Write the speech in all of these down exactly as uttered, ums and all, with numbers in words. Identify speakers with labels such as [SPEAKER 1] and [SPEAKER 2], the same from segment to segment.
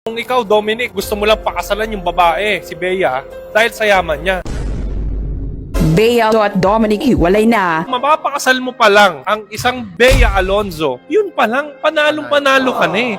[SPEAKER 1] Kung ikaw, Dominic, gusto mo lang pakasalan yung babae, si Bea, dahil sa yaman niya.
[SPEAKER 2] Bea at Dominic hiwalay na.
[SPEAKER 1] Mapapakasal mo pa lang ang isang Bea Alonzo, yun pa lang, panalong-panalo ka na eh.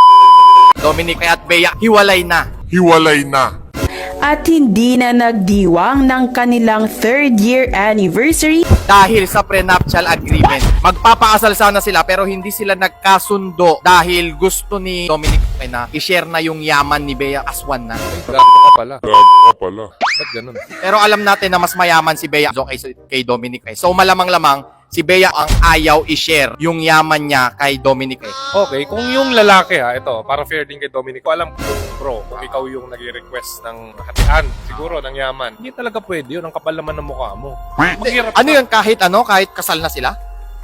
[SPEAKER 3] Dominic at Bea, hiwalay na.
[SPEAKER 4] Hiwalay na.
[SPEAKER 2] At hindi na nagdiwang ng kanilang third year anniversary
[SPEAKER 3] Dahil sa prenuptial agreement. Magpapakasal sana sila pero hindi sila nagkasundo dahil gusto ni Dominic na i-share na yung yaman ni Bea as one na.
[SPEAKER 1] Gago ka pala.
[SPEAKER 4] Gago ka pala.
[SPEAKER 1] Ba't ganun?
[SPEAKER 3] Pero alam natin na mas mayaman si Bea kay, kay Dominic. So malamang-lamang si Bea ang ayaw i-share yung yaman niya kay Dominic.
[SPEAKER 1] Okay, kung yung lalaki ha, ito, para fair din kay Dominic, ko alam kung bro, kung ikaw yung nag-request ng hatian, siguro ng yaman, hindi talaga pwede yun, ang kapal naman ng mukha mo. Maghirap
[SPEAKER 3] Ano yun kahit ano, kahit kasal na sila?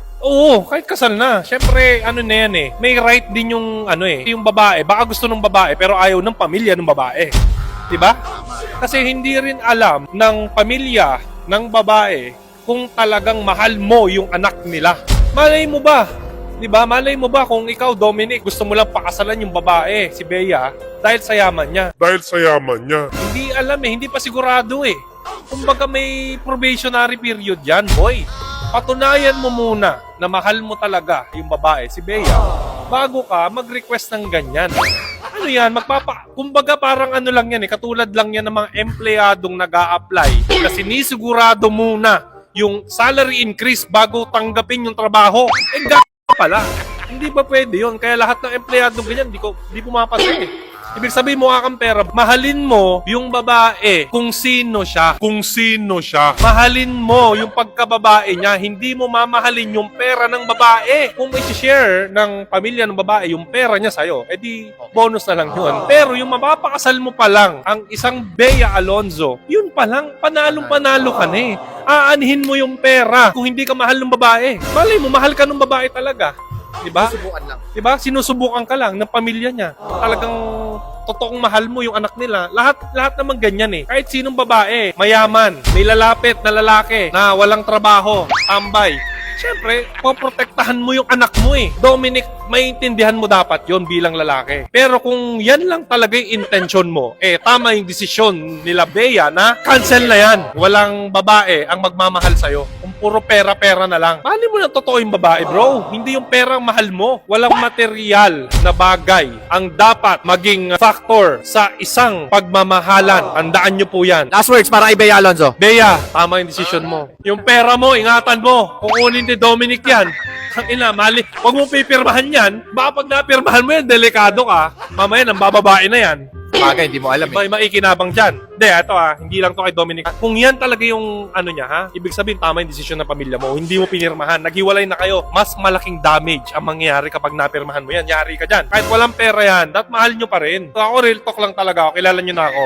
[SPEAKER 1] Oo, kahit kasal na. Siyempre, ano na yan eh, may right din yung, ano eh, yung babae, baka gusto ng babae, pero ayaw ng pamilya ng babae. Diba? Kasi hindi rin alam ng pamilya ng babae kung talagang mahal mo yung anak nila. Malay mo ba? 'Di ba? Malay mo ba kung ikaw, Dominic, gusto mo lang pakasalan yung babae, si Bea, dahil sa yaman niya.
[SPEAKER 4] Dahil sa yaman niya.
[SPEAKER 1] Hindi alam eh, hindi pa sigurado eh. Kumbaga may probationary period yan, boy. Patunayan mo muna na mahal mo talaga yung babae, si Bea, bago ka mag-request ng ganyan. Ano yan, magpapa... Kumbaga parang ano lang yan eh, katulad lang yan ng mga empleyadong nag-a-apply kasi nisigurado muna yung salary increase bago tanggapin yung trabaho. Eh, g*** pala. Hindi ba pwede yun? Kaya lahat ng empleyado ganyan, di ko di pumapasok eh. Ibig sabihin mo kang pera, mahalin mo yung babae kung sino siya. Kung sino siya. Mahalin mo yung pagkababae niya, hindi mo mamahalin yung pera ng babae. Kung i-share ng pamilya ng babae yung pera niya sa'yo, edi bonus na lang yun. Pero yung mapapakasal mo pa lang ang isang Bea Alonzo, yun pa lang, panalong-panalo ka na eh. Aanhin mo yung pera kung hindi ka mahal ng babae. Malay mo, mahal ka ng babae talaga. Diba?
[SPEAKER 3] Subukan lang.
[SPEAKER 1] Diba? Sinusubukan ka lang ng pamilya niya. Talagang totoong mahal mo yung anak nila. Lahat lahat naman ganyan eh. Kahit sinong babae, mayaman, may lalapit na lalaki na walang trabaho, tambay. Siyempre, poprotektahan mo yung anak mo eh. Dominic, maintindihan mo dapat yon bilang lalaki. Pero kung yan lang talaga yung intention mo, eh tama yung desisyon nila Bea na cancel na yan. Walang babae ang magmamahal sa'yo. Kung puro pera-pera na lang. Mali mo na totoo yung babae, bro. Hindi yung perang mahal mo. Walang material na bagay ang dapat maging factor sa isang pagmamahalan. Tandaan nyo po yan.
[SPEAKER 3] Last words para kay Bea Alonzo.
[SPEAKER 1] Bea, tama yung desisyon mo. Yung pera mo, ingatan mo. Kukunin ni Dominic yan. Ang ina, mali. Huwag mo pipirmahan yan. Baka pag napirmahan mo yan, delikado ka. Mamaya, nang bababae na yan.
[SPEAKER 3] Bagay, hindi mo alam eh.
[SPEAKER 1] May maikinabang dyan. Hindi, ito ah, hindi lang to kay Dominic. Kung yan talaga yung ano niya ha, ibig sabihin tama yung desisyon ng pamilya mo. Hindi mo pinirmahan. Naghiwalay na kayo. Mas malaking damage ang mangyayari kapag napirmahan mo yan. Yari ka dyan. Kahit walang pera yan, dapat mahal nyo pa rin. So, ako, real talk lang talaga ako. Kilala nyo na ako.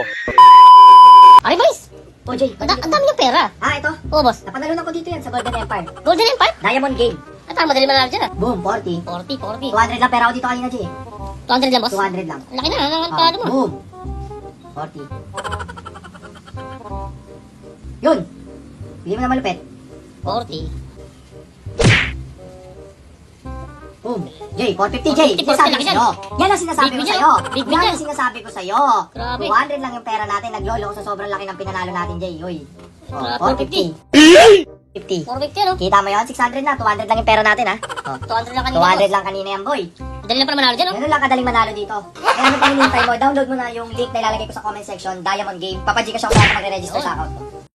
[SPEAKER 5] Ay, boys! O, Jay, ang ang dami niyong pera.
[SPEAKER 6] Ah, ito.
[SPEAKER 5] Oo, boss.
[SPEAKER 6] Napanalunan ko dito yan sa Golden Empire.
[SPEAKER 5] Golden Empire?
[SPEAKER 6] Diamond Game.
[SPEAKER 5] At ang madali manalo dyan ah.
[SPEAKER 6] Boom, forty.
[SPEAKER 5] forty, forty.
[SPEAKER 6] two hundred lang pera ako dito kanina, Jay.
[SPEAKER 5] two hundred lang, boss?
[SPEAKER 6] two hundred lang.
[SPEAKER 5] Laki na, ang
[SPEAKER 6] Ah,
[SPEAKER 5] pado mo.
[SPEAKER 6] boom. forty. Yun. Bili mo na malupit.
[SPEAKER 5] forty.
[SPEAKER 6] Boom. Jay, four fifty, Jay.
[SPEAKER 5] four fifty,
[SPEAKER 6] Sinasabi ko
[SPEAKER 5] laki yan.
[SPEAKER 6] sa'yo. Yan ang sinasabi
[SPEAKER 5] Big
[SPEAKER 6] ko
[SPEAKER 5] win
[SPEAKER 6] sa'yo.
[SPEAKER 5] yan. Big win
[SPEAKER 6] Yan
[SPEAKER 5] yan.
[SPEAKER 6] ang sinasabi ko sa'yo.
[SPEAKER 5] Grabe.
[SPEAKER 6] two hundred lang yung pera natin. Naglolo ko sa sobrang laki ng pinanalo natin, Jay. Uy. Oh,
[SPEAKER 5] Grabe,
[SPEAKER 6] four fifty. fifty.
[SPEAKER 5] four fifty ano?
[SPEAKER 6] Kita mo yun? six hundred na. two hundred lang yung pera natin, ha? Oh.
[SPEAKER 5] two hundred lang kanina,
[SPEAKER 6] two hundred
[SPEAKER 5] boss.
[SPEAKER 6] lang kanina yan, boy.
[SPEAKER 5] Madali lang pala manalo dyan, oh.
[SPEAKER 6] Ganun lang kadaling manalo dito. Kaya ano pang hinihintay mo? Download mo na yung link na ilalagay ko sa comment section, Diamond Game. Papajikas ako sa magre-register sa account mo.